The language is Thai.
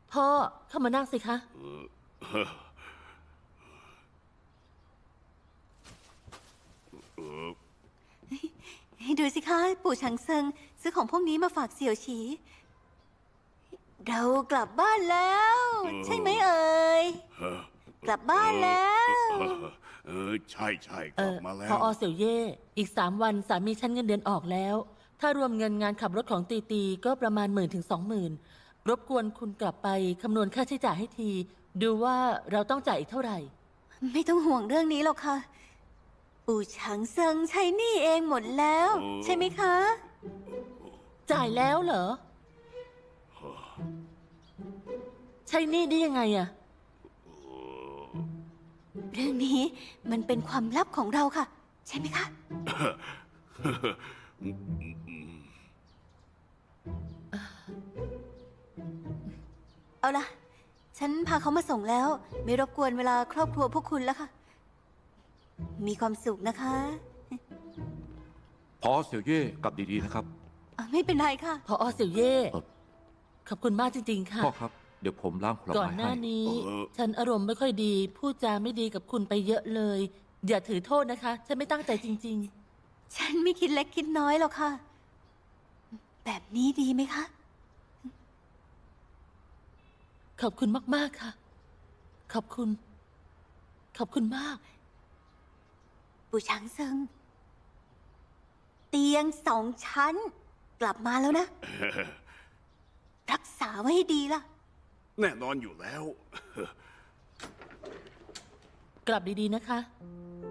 พ่อเข้ามานั่งสิคะดูสิคะปู่ชังเซิงซื้อของพวกนี้มาฝากเสี่ยวฉี เรากลับบ้านแล้ว ใช่ไหมเอ่ยกลับบ้านแล้วใช่กลับมาแล้วพอเสี่ยวเย่อีก3 วันสามีฉันเงินเดือนออกแล้ว ถ้ารวมเงินงานขับรถของตีตีก็ประมาณ10,000 ถึง 20,000รบกวนคุณกลับไปคำนวณค่าใช้จ่ายให้ที ดูว่าเราต้องจ่ายอีกเท่าไหร่ไม่ต้องห่วงเรื่องนี้หรอกค่ะ ปู่ชังเซิงใช้หนี้เองหมดแล้ว ใช่ไหมคะจ่ายแล้วเหรอ ใช้หนี้ได้ยังไงอะเรื่องนี้มันเป็นความลับของเราค่ะ ใช่ไหมคะ เอาล่ะ ฉันพาเขามาส่งแล้ว ไม่รบกวนเวลาครอบครัวพวกคุณแล้วค่ะ มีความสุขนะคะพอเสี่ยวเย่กลับดีๆนะครับไม่เป็นไรค่ะพอเสี่ยวเย่ขอบคุณมากจริงๆค่ะพ่อครับเดี๋ยวผมล้างผลไม้ให้ก่อนหน้านี้ ฉันอารมณ์ไม่ค่อยดี พูดจาไม่ดีกับคุณไปเยอะเลย อย่าถือโทษนะคะ ฉันไม่ตั้งใจจริงฉันไม่คิดเล็กคิดน้อยหรอกค่ะ แบบนี้ดีไหมคะๆ ขอบคุณมากๆค่ะ ขอบคุณมากปู่ช้างเซิง เตียง2 ชั้น กลับมาแล้วนะ รักษาไว้ให้ดีล่ะแน่นอนอยู่แล้วกลับดีๆนะคะ